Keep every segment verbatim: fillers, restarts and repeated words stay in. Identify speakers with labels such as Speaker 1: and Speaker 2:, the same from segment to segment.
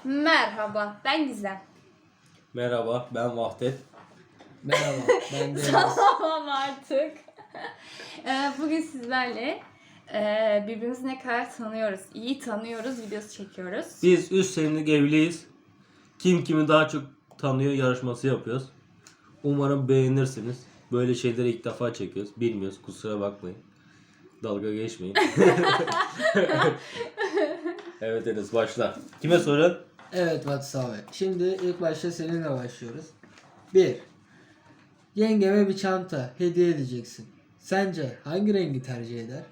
Speaker 1: Merhaba, ben Gizem.
Speaker 2: Merhaba, ben Vahdet.
Speaker 3: Merhaba, ben Deniz.
Speaker 1: Tamam artık. Ee, Bugün sizlerle e, birbirimizi ne kadar tanıyoruz, iyi tanıyoruz videosu çekiyoruz.
Speaker 2: Biz üç senelik evliyiz. Kim kimi daha çok tanıyor yarışması yapıyoruz. Umarım beğenirsiniz. Böyle şeyleri ilk defa çekiyoruz. Bilmiyoruz, kusura bakmayın. Dalga geçmeyin. Evet Enes, başla. Kime sorun?
Speaker 3: Evet Vatsa abi. Şimdi ilk başta seninle başlıyoruz. Bir. Yengeme bir çanta hediye edeceksin. Sence hangi rengi tercih eder?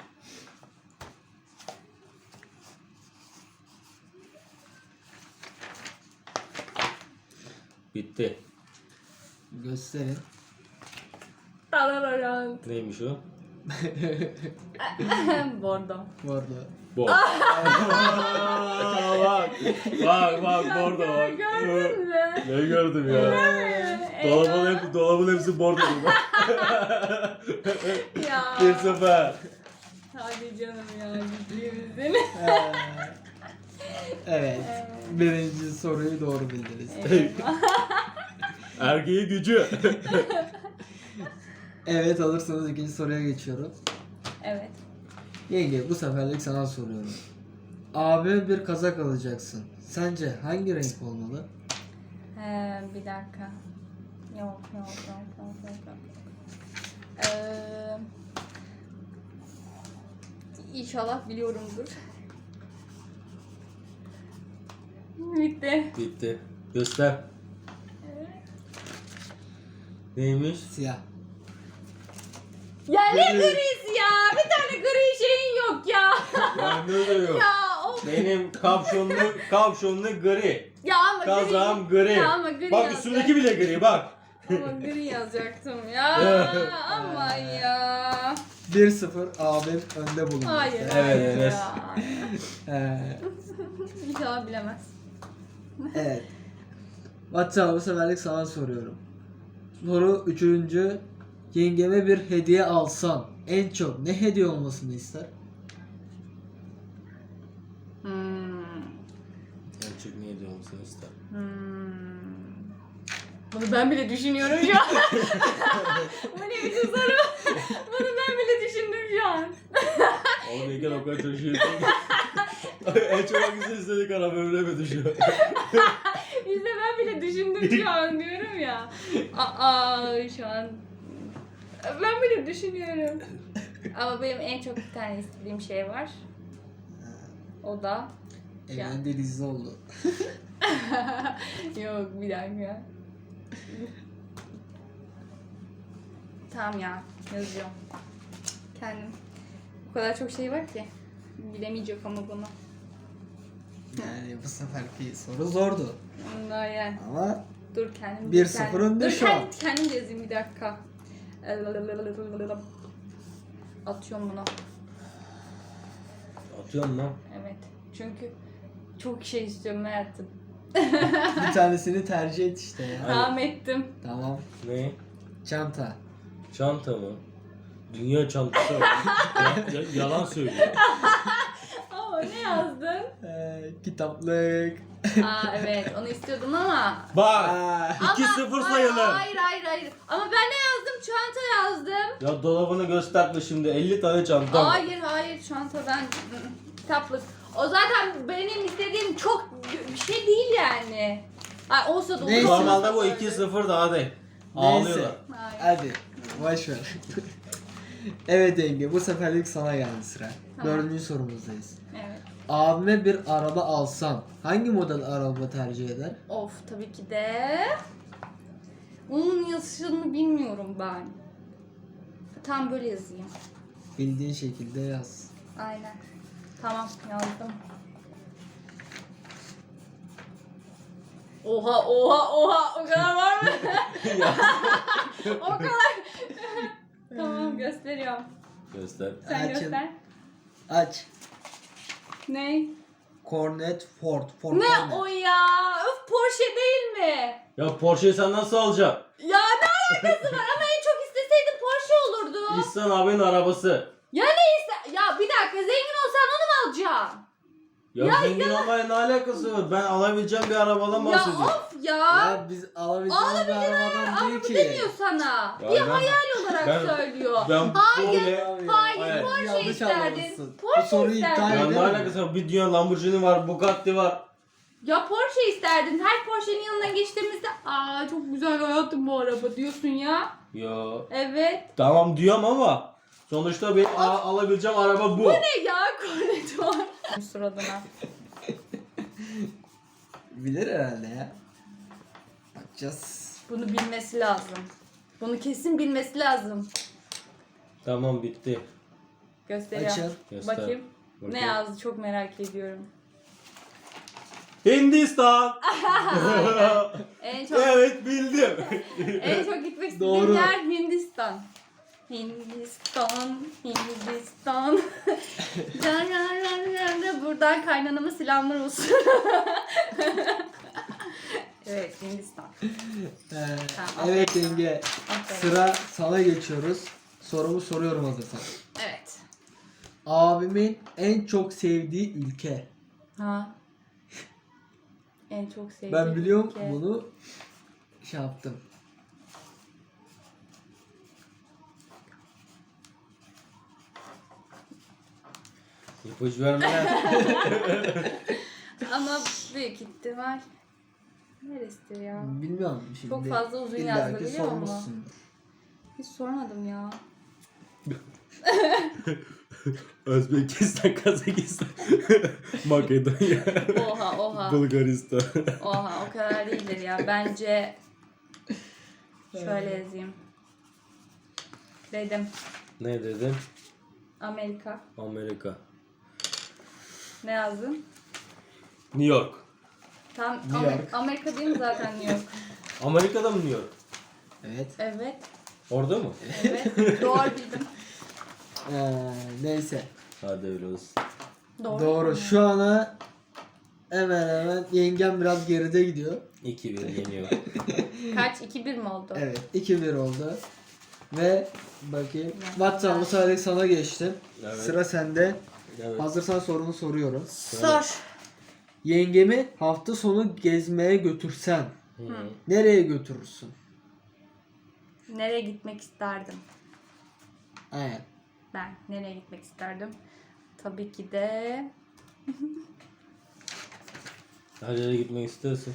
Speaker 2: Bitti.
Speaker 3: Gösterin.
Speaker 1: Tarararan.
Speaker 2: Neymiş o?
Speaker 1: Bordo.
Speaker 3: Bu arada.
Speaker 2: Bor. bak. Bak bak bordo bak.
Speaker 1: Gördün mü?
Speaker 2: Ne gördüm ya?
Speaker 1: Ee,
Speaker 2: Dolabın, hep, dolabın hepsi bordo.
Speaker 1: Ya.
Speaker 2: Bir sefer.
Speaker 1: Hadi canım ya, ciddi
Speaker 3: Ee, evet. Birinci soruyu doğru bildiniz.
Speaker 2: Erkeği gücü.
Speaker 3: Evet alırsanız ikinci soruya geçiyorum.
Speaker 1: Evet.
Speaker 3: Yenge bu seferlik sana soruyorum. Abime bir kazak alacaksın. Sence hangi renk olmalı?
Speaker 1: Ee, bir dakika. Yok yok yok yok yok yok. Ee, İnşallah biliyorumdur. Bitti.
Speaker 2: Bitti. Göster. Neymiş?
Speaker 3: Siyah.
Speaker 1: Ya ne grisi ya? Bir tane gri şeyin yok ya.
Speaker 2: Ben de yok.
Speaker 1: Ya of.
Speaker 2: Benim kapşonlu, kapşonlu gri.
Speaker 1: Ya ama
Speaker 2: Kazağım
Speaker 1: gri.
Speaker 2: gri.
Speaker 1: Ya ama gri
Speaker 2: Bak
Speaker 1: yazacak.
Speaker 2: üstündeki bile gri bak.
Speaker 1: Ama gri yazacaktım ya. Ama ya.
Speaker 3: bir sıfır abim önde bulundu.
Speaker 1: Hayır.
Speaker 2: Evet,
Speaker 1: hayır
Speaker 2: Enes.
Speaker 1: ya.
Speaker 3: Ee,
Speaker 1: İnşallah bilemez.
Speaker 3: evet. WhatsApp bu seferlik sana soruyorum. Soru üçüncü. Yengeme bir hediye alsan en çok ne hediye olmasını ister?
Speaker 1: Hmm.
Speaker 2: En çok ne ediyor musun ister?
Speaker 1: Hmm. Bunu ben bile düşünüyorum şu an. Bu ne biçim soru? Bunu ben bile düşündüm şu an.
Speaker 2: Oğlum Eken o kadar çalışıyorsun. En çok hangisini istedik ara böyle mi düşüyor?
Speaker 1: İşte ben bile düşündüm şu an diyorum ya. Aa şu an. Ben bile düşünüyorum. Ama benim en çok bir tane istediğim şey var. O da
Speaker 3: Evren denizli oldu.
Speaker 1: yok bir dakika. Tamam ya yazıyorum. Kendim. O kadar çok şey var ki. Bilemeyecek ama bunu.
Speaker 3: Yani bu seferki soru zordu.
Speaker 1: Bunlar yani.
Speaker 3: Ama
Speaker 1: Dur kendim.
Speaker 3: bir
Speaker 1: dur
Speaker 3: sıfır
Speaker 1: kendim-
Speaker 3: önde
Speaker 1: dur,
Speaker 3: şu
Speaker 1: kendim,
Speaker 3: an.
Speaker 1: Kendim de yazayım bir dakika. Atıyorum bunu.
Speaker 2: Atıyorsun lan.
Speaker 1: Evet. Çünkü çok şey istiyorum hayatım.
Speaker 3: bir tanesini tercih et işte ya.
Speaker 1: Tamam ettim.
Speaker 3: Tamam.
Speaker 2: Ne?
Speaker 3: Çanta.
Speaker 2: Çanta mı? Dünya çantası var. Ya- ya- yalan söylüyor.
Speaker 1: Ama ne yazdın?
Speaker 3: Ee, kitaplık.
Speaker 1: Aa evet onu istiyordum ama.
Speaker 2: Bak.
Speaker 3: Aa,
Speaker 2: iki sıfır sayılır.
Speaker 1: Hayır hayır hayır. Ama ben ne yazdım? Çanta yazdım.
Speaker 2: Ya dolabını gösterme şimdi. elli tane çanta.
Speaker 1: Hayır hayır çantadan kitaplık. O zaten benim istediğim çok bir şey değil yani. Ay olsa da olur.
Speaker 3: Neyse.
Speaker 2: Normalde bu iki sıfır daha değil. Ağlıyorlar.
Speaker 3: Neyse.
Speaker 1: Hayır.
Speaker 3: Hadi. Boş ver. Evet yenge bu seferlik sana geldi sıra.
Speaker 1: Tamam.
Speaker 3: Dördüncü sorumuzdayız.
Speaker 1: Evet.
Speaker 3: Abime bir araba alsan hangi model araba tercih eder?
Speaker 1: Of tabii ki de. Onun yazışını bilmiyorum ben. Tam böyle yazayım.
Speaker 3: Bildiğin şekilde yaz.
Speaker 1: Aynen. Tamam yazdım. Oha oha oha o kadar var mı? O kadar. Tamam gösteriyorum.
Speaker 2: Göster.
Speaker 1: Sen
Speaker 3: Açın.
Speaker 1: göster.
Speaker 3: Aç.
Speaker 1: Ne?
Speaker 3: Cornet Ford. Ford
Speaker 1: Ne
Speaker 3: Cornet.
Speaker 1: o ya? Öf Porsche değil mi?
Speaker 2: Ya Porsche'yi sen nasıl alacaksın?
Speaker 1: Ya ne alakası var ama en çok isteseydim Porsche olurdu.
Speaker 2: İhsan abinin arabası.
Speaker 1: Ya ne iste? Ya bir dakika zengin olsan onu mu alacaksın?
Speaker 2: Ya, zengin olmaya ne alakası var? Ben alabileceğim bir arabadan
Speaker 1: Ya
Speaker 2: bahsediyorum.
Speaker 1: of ya.
Speaker 3: Ya biz alabileceğimiz bir arabadan değil
Speaker 1: Bu
Speaker 3: ki.
Speaker 1: demiyor sana.
Speaker 2: Ya
Speaker 1: bir
Speaker 2: ben-
Speaker 1: hayal olarak
Speaker 2: ben-
Speaker 1: söylüyor.
Speaker 2: Ben
Speaker 1: Hayır,
Speaker 2: böyle...
Speaker 1: hayır,
Speaker 2: Hayır.
Speaker 1: Porsche
Speaker 3: Yanlış
Speaker 1: isterdin.
Speaker 3: anlamışsın.
Speaker 1: Porsche
Speaker 3: Bu soruyu iptal
Speaker 1: isterdin.
Speaker 2: Ya
Speaker 3: edelim
Speaker 2: ne
Speaker 3: mi?
Speaker 2: alakası var? Bir dünya Lamborghini var, Bugatti var.
Speaker 1: Ya Porsche isterdin. Her Porsche'nin yanından geçtiğimizde aa çok güzel hayatım bu araba diyorsun ya.
Speaker 2: Ya
Speaker 1: Evet.
Speaker 2: tamam diyorum ama sonuçta benim a- alabileceğim araba bu.
Speaker 1: Bu ne ya? Kornet var. Suratına.
Speaker 3: Bilir herhalde ya. Bakacağız.
Speaker 1: Bunu bilmesi lazım. Bunu kesin bilmesi lazım.
Speaker 2: Tamam bitti.
Speaker 1: Gösteriyorum.
Speaker 3: Açın.
Speaker 2: Göster.
Speaker 1: Bakayım. Ne
Speaker 2: Bakayım.
Speaker 1: yazdı çok merak ediyorum.
Speaker 2: Hindistan.
Speaker 1: En çok
Speaker 2: Evet bildim.
Speaker 1: en çok gitmek istediğim
Speaker 3: Doğru.
Speaker 1: yer Hindistan. Hindistan, Hindistan. Can, can, can, can, can. Buradan kaynanama selamlar olsun. Evet, Hindistan.
Speaker 3: Ee,
Speaker 1: Tamam,
Speaker 3: evet
Speaker 1: aferin
Speaker 3: yenge.
Speaker 1: Aferin.
Speaker 3: Sıra sana geçiyoruz. Sorumu soruyorum hazırsan.
Speaker 1: Evet.
Speaker 3: Abimin en çok sevdiği ülke.
Speaker 1: Ha. En çok sevdiğim
Speaker 3: Ben biliyorum
Speaker 1: ülke.
Speaker 3: bunu şey yaptım.
Speaker 2: İpucu verme.
Speaker 1: Ama büyük ihtimal neresidir ya?
Speaker 3: Bilmiyorum şimdi.
Speaker 1: Çok fazla uzun
Speaker 3: İlla
Speaker 1: yazdı
Speaker 3: ki
Speaker 1: biliyor musun?
Speaker 3: sormuşsundur.
Speaker 1: Hiç sormadım ya.
Speaker 2: Özbekistan, Kazakistan, Makedonya,
Speaker 1: Oha oha.
Speaker 2: Bulgaristan.
Speaker 1: Oha o kadar değildir ya. Bence şöyle yazayım. Dedim.
Speaker 2: Ne dedin?
Speaker 1: Amerika.
Speaker 2: Amerika.
Speaker 1: Ne yazdın?
Speaker 2: New York.
Speaker 1: Tam
Speaker 3: New
Speaker 1: Amer-
Speaker 3: York.
Speaker 1: Amerika değil mi zaten New York?
Speaker 2: Amerika'da mı New York?
Speaker 3: Evet.
Speaker 1: Evet.
Speaker 2: Orada mı?
Speaker 1: Evet. Doğru bildim.
Speaker 3: Ee, neyse.
Speaker 2: Hadi öyle olsun.
Speaker 1: Doğru.
Speaker 3: Doğru.
Speaker 1: mu?
Speaker 3: Şu ana hemen hemen yengem biraz geride gidiyor.
Speaker 2: iki bir yeniyor.
Speaker 1: Kaç? iki bir mi oldu?
Speaker 3: Evet. iki bir oldu. Ve bakayım.
Speaker 1: Ya.
Speaker 3: WhatsApp bu sefer sana geçtim.
Speaker 2: Evet.
Speaker 3: Sıra sende.
Speaker 2: Evet.
Speaker 3: Hazırsan sorunu soruyorum.
Speaker 1: Sor.
Speaker 3: Yengemi hafta sonu gezmeye götürsen
Speaker 2: Hı.
Speaker 3: nereye götürürsün?
Speaker 1: Nereye gitmek isterdim?
Speaker 3: Aynen.
Speaker 1: Ben nereye gitmek isterdim? Tabii ki de
Speaker 2: Her yere gitmek istersin.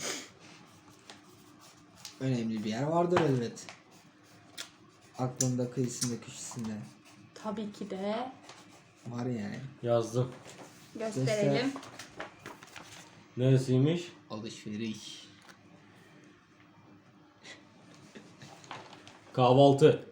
Speaker 3: Önemli bir yer vardır elbet. Aklında, kıyısında, köşesinde.
Speaker 1: tabii ki de
Speaker 3: Var yani.
Speaker 2: Yazdım.
Speaker 1: gösterelim.
Speaker 2: Neresiymiş?
Speaker 3: Alışveriş.
Speaker 2: Kahvaltı.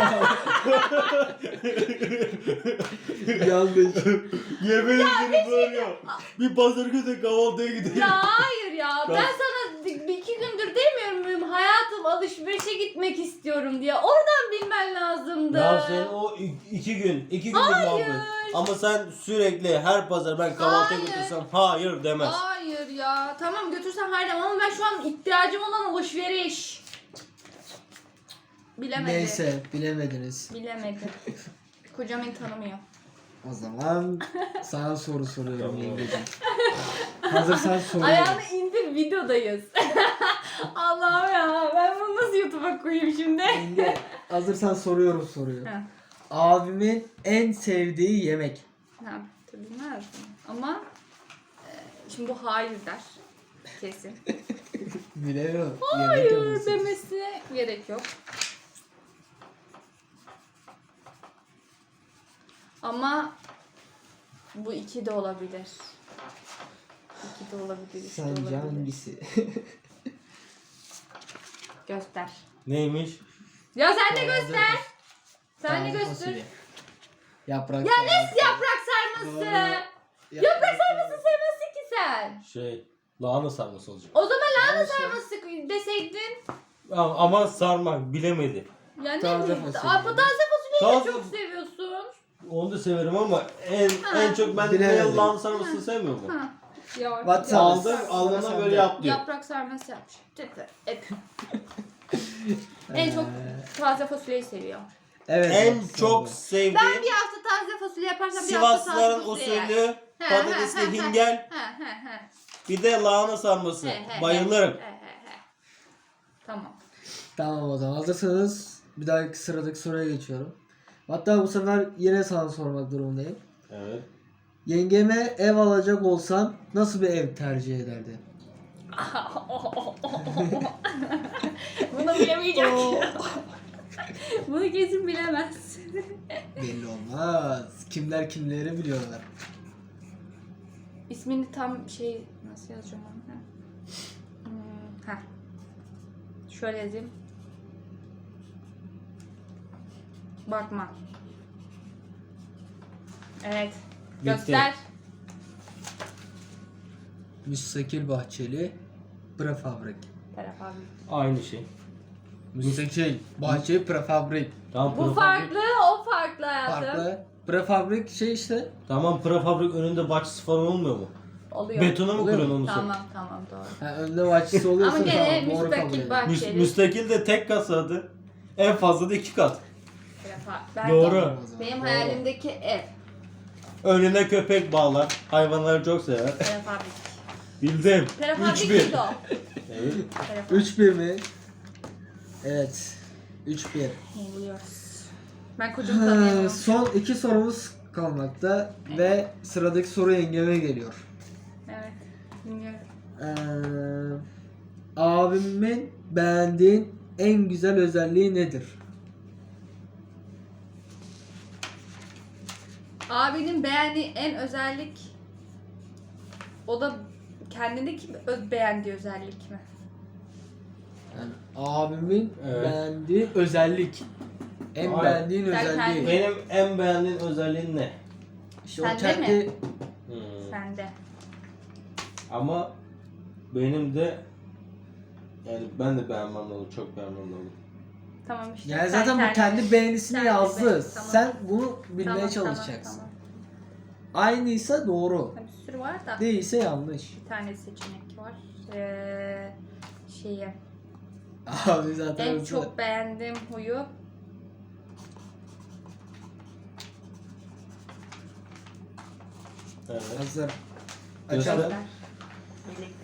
Speaker 3: Yanlış.
Speaker 2: Yemin ederim böyle. Bir pazar günü kahvaltıya gidelim.
Speaker 1: Ya hayır ya. Ben sana bir iki gündür demiyor muyum? Hayatım alışverişe gitmek istiyorum diye. Oradan bilmen lazımdı.
Speaker 2: Ya sen o i- iki gün, iki günlük muhabbet. Ama sen sürekli her pazar ben kahvaltıya
Speaker 1: Hayır.
Speaker 2: götürsem hayır demez.
Speaker 1: Hayır ya. Tamam götürsen hayır demem ama ben şu an ihtiyacım olan alışveriş. Bilemedi.
Speaker 3: Neyse bilemediniz.
Speaker 1: Bilemedi. Kocam beni tanımıyor.
Speaker 3: O zaman sana soru soruyorum
Speaker 2: Tamam.
Speaker 3: yengeciğim. Hazırsan soruyorum.
Speaker 1: Ayağını indir videodayız. Allah'ım ya ben bunu nasıl YouTube'a koyayım şimdi?
Speaker 3: Yenge, hazırsan soruyorum soruyu.
Speaker 1: Ha.
Speaker 3: Abimin en sevdiği yemek.
Speaker 1: Ha, tabii bilmezdim. Ama e, şimdi bu hayır der. Kesin.
Speaker 3: Bilemiyorum. Yemek
Speaker 1: Hayır
Speaker 3: yapıyorsun.
Speaker 1: demesine gerek yok. Ama bu iki de olabilir. İki de olabilir, üç de
Speaker 3: Sence
Speaker 1: olabilir.
Speaker 3: hangisi?
Speaker 1: Göster.
Speaker 2: Neymiş?
Speaker 1: Ya sen de
Speaker 3: Taze
Speaker 1: göster.
Speaker 3: fas-
Speaker 1: Sen de
Speaker 3: taze
Speaker 1: göster.
Speaker 3: fasulye. Yaprak
Speaker 1: Ya ne
Speaker 3: sarması.
Speaker 1: yaprak sarması?
Speaker 3: Doğru.
Speaker 1: Yaprak sarması sevmezsin ki sen.
Speaker 2: Şey, lahana sarması olacak.
Speaker 1: O zaman lahana
Speaker 3: Neyse.
Speaker 1: sarması deseydin.
Speaker 2: Ama, ama sarmak bilemedi.
Speaker 1: Ya ne
Speaker 3: Taze
Speaker 1: bileyim.
Speaker 3: fasulye.
Speaker 1: Aa, taze fasulyeyi de
Speaker 2: Taze-
Speaker 1: çok seviyorsun.
Speaker 2: Onu da severim ama en
Speaker 1: Ha.
Speaker 2: en çok ben
Speaker 3: Bilemedim.
Speaker 2: ne lahana sarmasını sevmiyorum.
Speaker 1: Ha. Ya,
Speaker 3: WhatsApp.
Speaker 2: Aldım,
Speaker 3: Sıra
Speaker 2: alnına
Speaker 3: sende.
Speaker 2: böyle yap diyor.
Speaker 1: yaprak sarması yapmış. Tütü, hep. En çok
Speaker 3: Ee,
Speaker 1: taze fasulyeyi seviyor.
Speaker 3: Evet.
Speaker 2: En
Speaker 3: bak,
Speaker 2: çok
Speaker 3: sende.
Speaker 2: sevdiğim
Speaker 1: Ben bir hafta taze fasulye yaparsam bir hafta taze
Speaker 2: Sivaslıların
Speaker 1: fasulye yer.
Speaker 2: usulü patatesli hingel,
Speaker 1: Ha ha ha.
Speaker 2: bir de lahana sarması.
Speaker 1: He, he,
Speaker 2: Bayılırım.
Speaker 1: he, he, he. Tamam.
Speaker 3: Tamam o zaman hazırsanız bir dahaki sıradaki soruya geçiyorum. Hatta bu sefer yine sana sormak durumundayım.
Speaker 2: Evet.
Speaker 3: Yengeme ev alacak olsan nasıl bir ev tercih ederdin?
Speaker 1: Bunu bilemeyecek. Bunu kesin bilemez.
Speaker 3: Belli olmaz. Kimler kimleri biliyorlar.
Speaker 1: İsmini tam şey nasıl yazacağım onu? Ha. Hmm, ha. Şöyle yazayım. Bakma. Evet.
Speaker 2: Bitti.
Speaker 1: Göster.
Speaker 3: Müstakil bahçeli prefabrik.
Speaker 1: Taraf abi.
Speaker 2: Aynı şey.
Speaker 3: Müstakil bahçeli prefabrik.
Speaker 2: Tamam,
Speaker 1: Bu
Speaker 2: prefabrik-
Speaker 1: farklı, o farklı hayatım.
Speaker 3: Farklı. Prefabrik şey işte.
Speaker 2: Tamam, prefabrik önünde bahçesi falan olmuyor mu?
Speaker 1: Oluyor.
Speaker 2: Betona mı
Speaker 3: Oluyor mu?
Speaker 2: kuruyorsun onu sen?
Speaker 1: Tamam tamam doğru.
Speaker 3: Ha, önde bahçesi oluyorsa
Speaker 1: Ama gene
Speaker 3: tamam, doğru kabul
Speaker 1: müstakil
Speaker 3: ederim.
Speaker 1: bahçeli.
Speaker 2: Müs- müstakil de tek kasadı. En fazla da iki kat.
Speaker 1: Prefa- Ben
Speaker 2: Doğru.
Speaker 1: de-
Speaker 3: O zaman,
Speaker 1: Benim
Speaker 3: doğru.
Speaker 1: hayalimdeki ev.
Speaker 2: Önüne köpek bağlar. Hayvanları çok sever.
Speaker 1: Prefabrik.
Speaker 2: Bildim.
Speaker 1: Prefabrik
Speaker 2: üç bir.
Speaker 1: miydi o?
Speaker 2: Evet.
Speaker 1: Prefabrik.
Speaker 3: üç bir mi? Evet. üç bir.
Speaker 1: Yeniliyoruz. Ben kocamı tanıyamam.
Speaker 3: Son iki sorumuz kalmakta ve sıradaki soru yengeme geliyor.
Speaker 1: Evet. Dinliyorum.
Speaker 3: Ee, abimin beğendiğin en güzel özelliği nedir?
Speaker 1: Abinin beğendiği en özellik o da kendindeki öz beğendiği özellik mi?
Speaker 3: Yani abimin
Speaker 2: Evet.
Speaker 3: beğendiği özellik. En
Speaker 2: Hayır.
Speaker 3: beğendiğin
Speaker 1: Sen
Speaker 3: özelliği.
Speaker 1: kendin-
Speaker 2: Benim en beğendiğim özelliğin ne?
Speaker 3: İşte o
Speaker 1: Sende
Speaker 3: kendi
Speaker 1: mi?
Speaker 2: Hmm.
Speaker 1: Sende.
Speaker 2: Ama benim de yani ben de beğenmem lazım. Çok beğenmem lazım.
Speaker 1: Tamam işte.
Speaker 3: yani
Speaker 1: sen
Speaker 3: zaten bu
Speaker 1: kendin-
Speaker 3: kendi beğenisini
Speaker 1: Kendi
Speaker 3: yazdı.
Speaker 1: beğen- tamam.
Speaker 3: Sen bunu bilmeye
Speaker 1: Tamam,
Speaker 3: çalışacaksın.
Speaker 1: Tamam,
Speaker 3: Aynıysa doğru.
Speaker 1: tamam. Bir sürü var da.
Speaker 3: Değilse yanlış.
Speaker 1: Bir tane seçenek var. Ee, şeyi.
Speaker 3: Abi zaten
Speaker 1: En
Speaker 3: hızlı.
Speaker 1: çok beğendiğim huyu
Speaker 2: Evet.
Speaker 3: Hazır.
Speaker 2: Göster.
Speaker 3: Açalım.
Speaker 1: birlikte.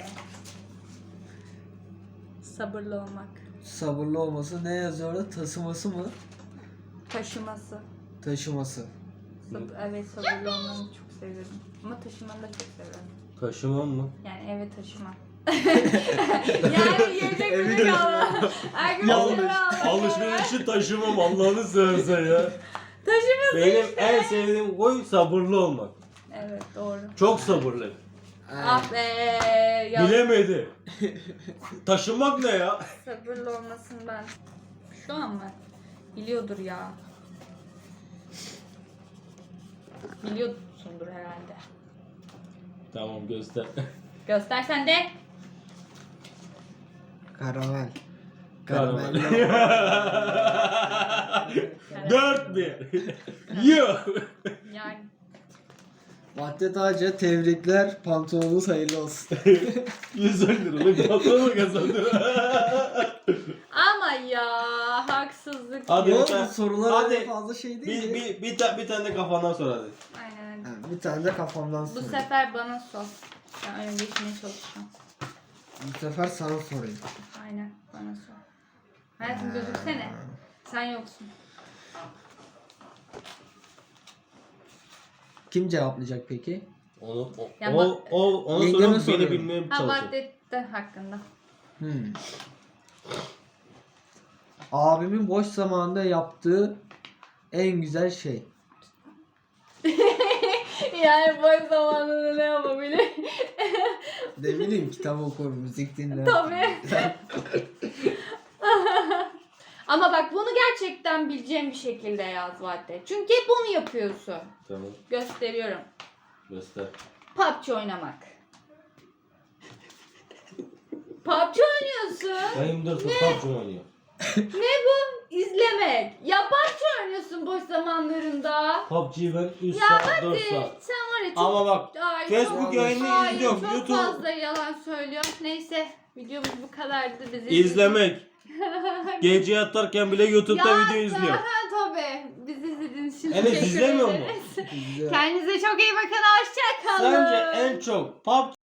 Speaker 1: Sabırlı olmak.
Speaker 3: Sabırlı olması ne yazıyor orada? Taşıması mı?
Speaker 1: Taşıması.
Speaker 3: Taşıması.
Speaker 1: Sab- evet sabırlı olmanı çok seviyorum. Ama taşımanı da çok seviyorum.
Speaker 2: Taşımam mı?
Speaker 1: Yani eve taşıma. Yani yiyecek
Speaker 3: Evi
Speaker 1: bir kalma. Herkes
Speaker 3: Yanlış.
Speaker 1: eve almak.
Speaker 2: Alışverişi taşımam Allah'ını seversen ya.
Speaker 1: Taşıması
Speaker 2: Benim
Speaker 1: işte.
Speaker 2: en sevdiğim huy sabırlı olmak.
Speaker 1: Evet doğru.
Speaker 2: Çok sabırlı.
Speaker 1: Ah be. Ya,
Speaker 2: Bilemedi. Taşımak ne ya?
Speaker 1: sabırlı olmasın ben. Şu an mı? Biliyordur ya. Biliyorsundur herhalde.
Speaker 2: Tamam, göster.
Speaker 1: Göstersen de.
Speaker 3: Karamel.
Speaker 2: Karamel.
Speaker 3: Karamel.
Speaker 2: Dört bir. Yuh.
Speaker 1: Yani.
Speaker 3: Vahdet Ağaca tebrikler. Pantolonunuz hayırlı olsun.
Speaker 2: yüz on liralık patron kazandı.
Speaker 1: Ama ya haksızlık.
Speaker 2: Hadi
Speaker 3: Yok,
Speaker 2: bir tane-
Speaker 3: bu sorular
Speaker 2: hadi.
Speaker 3: öyle fazla şey değil.
Speaker 2: Bir, bir, bir, ta- bir tane de kafandan sor hadi.
Speaker 1: Aynen.
Speaker 3: Ha, bir tane de kafamdan
Speaker 1: Bu
Speaker 3: sorayım.
Speaker 1: sefer bana sor. Ben öyle geçmeye çalışacağım.
Speaker 3: Bu sefer sana sorayım.
Speaker 1: Aynen bana sor. Hayatım gözüksene. Sen yoksun.
Speaker 3: Kim cevaplayacak peki?
Speaker 2: Onu, o,
Speaker 1: Ya
Speaker 2: o,
Speaker 1: bak-
Speaker 2: o, onu
Speaker 3: Yengeme
Speaker 2: sonra beni
Speaker 3: soruyorum.
Speaker 2: bilmeye
Speaker 1: Ha
Speaker 2: çalışıyor.
Speaker 1: Vahdet'ten hakkında.
Speaker 3: Hmm. Abimin boş zamanında yaptığı en güzel şey.
Speaker 1: Yani boş zamanında ne yapabilir?
Speaker 3: Ne bileyim, kitap okur, müzik dinler.
Speaker 1: Tabii. Ama bak bunu gerçekten bileceğim bir şekilde yaz Vahdet. Çünkü hep onu yapıyorsun.
Speaker 2: Tamam,
Speaker 1: Gösteriyorum.
Speaker 2: göster.
Speaker 1: P U B G oynamak. P U B G oynuyorsun.
Speaker 2: Ben yirmi dört saat PUBG oynuyor.
Speaker 1: Ne bu? İzlemek. Ya P U B G oynuyorsun boş zamanlarında.
Speaker 2: P U B G'yi ben üç
Speaker 1: Ya
Speaker 2: saat,
Speaker 1: hadi.
Speaker 2: dört saat.
Speaker 1: Sen var ya çok...
Speaker 2: Ama bak,
Speaker 1: Ay,
Speaker 2: Facebook
Speaker 1: çok-
Speaker 2: yayını
Speaker 1: Hayır,
Speaker 2: izliyorum.
Speaker 1: çok
Speaker 2: YouTube
Speaker 1: fazla yalan söylüyor. Neyse videomuz bu kadardı. Bizi
Speaker 2: izlemek. Gece yatarken bile YouTube'da
Speaker 1: Ya,
Speaker 2: video izliyor.
Speaker 1: aha, tabii. Bizi izlediğiniz için
Speaker 2: Evet,
Speaker 1: teşekkür
Speaker 2: izlemiyor mu?
Speaker 1: ederiz.
Speaker 3: Güzel.
Speaker 1: Kendinize çok iyi bakın. Hoşça kalın.
Speaker 2: Sence en çok P U B G